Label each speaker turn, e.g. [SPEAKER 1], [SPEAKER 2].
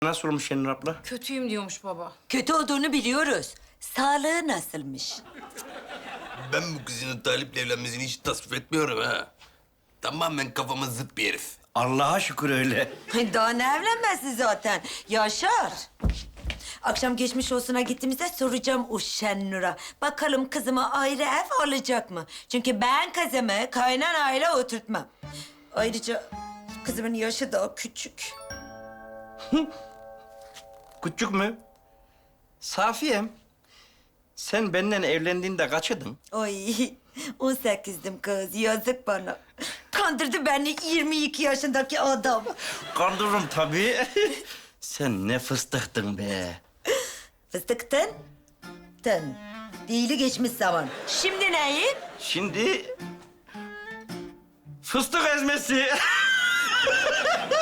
[SPEAKER 1] Nasıl olmuş Şenur abla?
[SPEAKER 2] Kötüyüm diyormuş baba.
[SPEAKER 3] Kötü olduğunu biliyoruz. Sağlığı nasılmış?
[SPEAKER 4] Ben bu kızın Talip'le evlenmesini hiç tasvip etmiyorum ha. Tamamen kafama zıt bir herif.
[SPEAKER 1] Allah'a şükür öyle.
[SPEAKER 3] Daha ne evlenmesi zaten? Yaşar. Akşam geçmiş olsuna gittiğimizde soracağım o Şennur'a. Bakalım kızıma ayrı ev alacak mı? Çünkü ben kızımı kaynanayla oturtmam. Ayrıca kızımın yaşı daha küçük.
[SPEAKER 1] Küçük mü? Safiyem. Sen benden evlendiğinde kaçydın?
[SPEAKER 3] Ay 18'dim kız, yazık bana. Kandırdı beni 22 yaşındaki adam.
[SPEAKER 1] Kandırırım tabii. Sen ne fıstıktın be.
[SPEAKER 3] Fıstıktın. Tın. Değili geçmiş zaman. Şimdi neyin?
[SPEAKER 1] Şimdi... Fıstık ezmesi.